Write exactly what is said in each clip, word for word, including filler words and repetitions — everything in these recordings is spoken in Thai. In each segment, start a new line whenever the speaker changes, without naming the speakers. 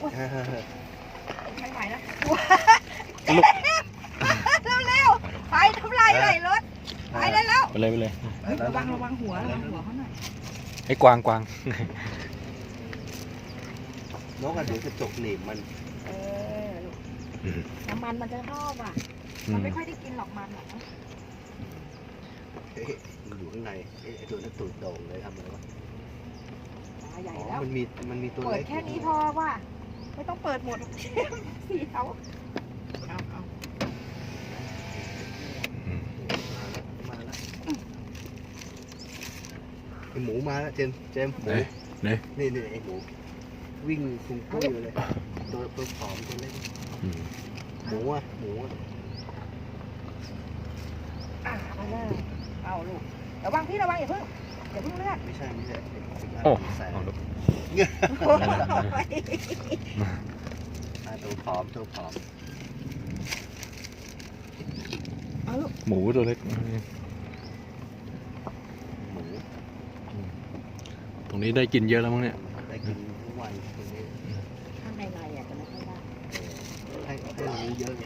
ไม่ไหวแล้วเร็วๆไปทำลายเลยรถไปได้แล้ว
ไปเลยไปเลย
ระวังระวังหัวระวังหัวเขาหน่อย
ให้กวางกวาง
นกกระเดี๋ยวจะจกหนีบมัน
เออน้ำมันมันจะชอบอ่ะมันไม่ค่อยได้กินหรอกมันอ่ะ
เอ๊ะมันอยู่ข้างในไอ้ตัวนั้นตูดโด่งเลยทำอะไรวะ
ใหญ่
อ๋อ
แล้ว
มันมีมันมีตัว
เปิ
เล็
ด
ก
แค่นี้พอว่ะไม่ต้องเปิดหมดสีเขาเอาเอา
มาแล้วมาแล้วไอหมูมาแล้วเจมเจมหมู
ไหน
นี่นี่ไอหมูวิ่งฟุ้งปุ้ยอยู่เลยตัวตัวผอมตัวเล็กหมูอ่ะหมูอ่ะ
อ่ะเอาเลยเอาลูกระวังพี่ระวังอย่าเพิ่งอย่าเพิ่งเลือด
ไม่ใช่ไม่ใช่ไอ้สิ่งนั้น
โอ้
ใส่
เอาลูก
อ่ะตัวผอมตัวผอม
เอาลูก
หมูตัวเล็ก
หมู
ตรงนี้ได้กินเยอะแล้วมั้งเนี่ย
ได้กินทุกวันตัวนี้
ข้างในในอ่ะจะไม่ค่อยได้
ให้ให้เรารู้เยอะไง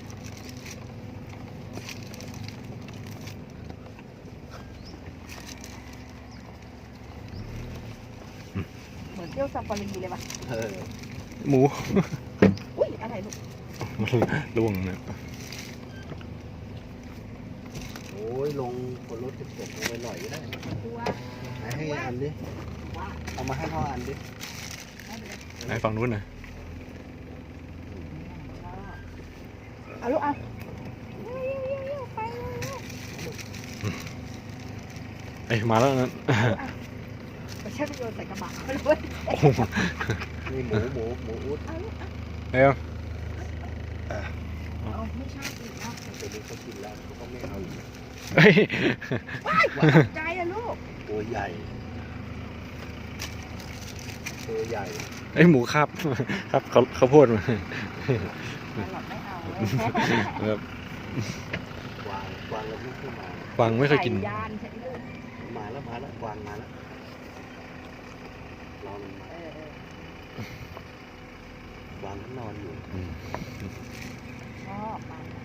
เหมือนเที่ยวซาฟารีเลยป่ะ
เออ
หมู
อุ้ยอะไรลูก
ล่วงเนี่ย
โอ้ยลงบนรถจะตกลงไปหน่อยก็ได้
ตัว
ให้ให้อันดิ
ว่า
เอามาให้พ่ออันดิ
ไหนฝั่งนู้นน่ะ
เอาลูกเอาไป
เอ้ยมาแล้วนั่น
ไปเช็ดโยนใส่กระบะไปเลย
โอ้โห
นี่หมูหมูหมูอุด
เอาลูก
เอ้ย
เอาไม่ใช่อีกนะ
ตัวนี้เขากินแล้วเขาก็ไม่เอาอีก
เฮ้ย
ใจอะลูก
ตัวใหญ่ ตัวใหญ่
ไอ้ยหมูครับครับเขาเขาวโพดมา
หลอดไม่เอา
แบบ
กวางกวางเราไม่ขึ้นมาก
วางไม่เคยกิน
ยานใช่ไหมลูก
มาแล้วมาแล้วกวางมาแล้วรอมันมา
เออเออก
วางเขานอนอยู่
อืม
ชอบมัน